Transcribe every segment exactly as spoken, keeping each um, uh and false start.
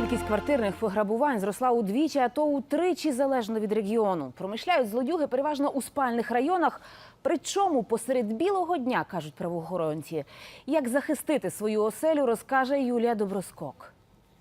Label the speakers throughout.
Speaker 1: Кількість квартирних пограбувань зросла удвічі, а то утричі залежно від регіону. Промишляють злодюги переважно у спальних районах, причому посеред білого дня, кажуть правоохоронці. Як захистити свою оселю, розкаже Юлія Доброскок.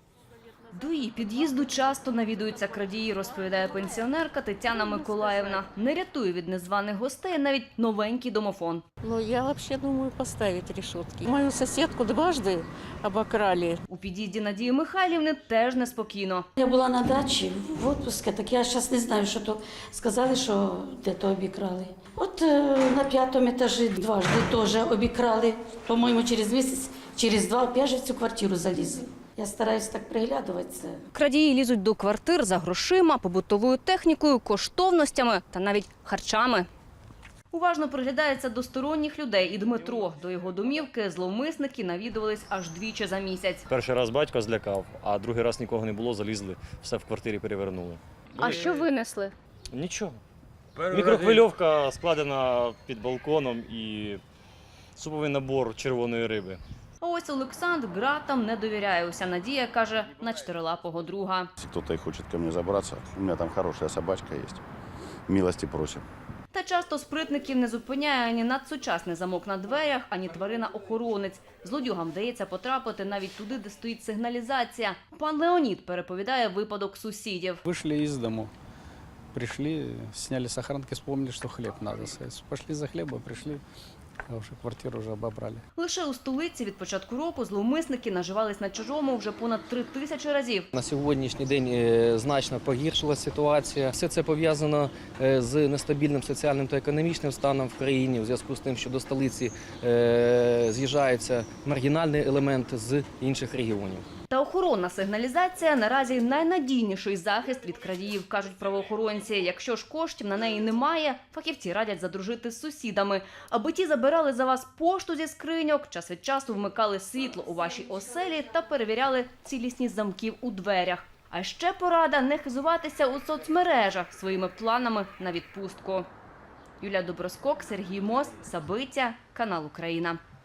Speaker 2: До її під'їзду часто навідуються крадії, розповідає пенсіонерка Тетяна Миколаївна. Не рятує від незваних гостей навіть новенький домофон.
Speaker 3: Ну, я вообще думаю поставить решетки. Мою соседку дважды обокрали.
Speaker 2: У під'їзді Надії Михайлівни теж неспокійно.
Speaker 4: Я була на дачі в отпуску, так я зараз не знаю, що то сказали, що де-то обікрали. От е, на п'ятому етажі дважди теж обікрали. По-моєму, через місяць, через два опять же в цю квартиру залізли. Я стараюсь так приглядуватися.
Speaker 2: Крадії лізуть до квартир за грошима, побутовою технікою, коштовностями та навіть харчами. Уважно приглядається до сторонніх людей і Дмитро. До його домівки зловмисники навідувались аж двічі за місяць.
Speaker 5: Перший раз батько злякав, а другий раз нікого не було, залізли, все в квартирі перевернули.
Speaker 2: А що винесли?
Speaker 5: Нічого. Мікрохвильовка складена під балконом і суповий набор червоної риби.
Speaker 2: А ось Олександр ґратам не довіряє. Уся надія, каже, на чотирилапого друга.
Speaker 6: Если кто-то и хочет ко мне забраться, у меня там хорошая собачка есть. Милости просим.
Speaker 2: Та часто спритників не зупиняє ані надсучасний замок на дверях, ані тварина-охоронець. Злодюгам вдається потрапити навіть туди, де стоїть сигналізація. Пан Леонід переповідає випадок сусідів.
Speaker 7: Вышли из дому, пришли, сняли с охранки, вспомнили, что хлеб надо. Пошли за хлебом, пришли, а уже квартиру уже обобрали.
Speaker 2: Лише у столиці від початку року зловмисники наживались на чужому вже понад три тисячі разів.
Speaker 8: На сьогоднішній день значно погіршилася ситуація. Все це пов'язано з нестабільним соціальним та економічним станом в країні, у зв'язку з тим, що до столиці з'їжджаються маргінальні елементи з інших регіонів.
Speaker 2: Та охоронна сигналізація наразі найнадійніший захист від крадіїв, кажуть правоохоронці. Якщо ж коштів на неї немає, фахівці радять задружити з сусідами. Аби ті забирали за вас пошту зі скриньок, час від часу вмикали світло у вашій оселі та перевіряли цілісність замків у дверях. А ще порада не хизуватися у соцмережах своїми планами на відпустку. Юлія Доброскок, Сергій Мос, Сабиття, канал Україна.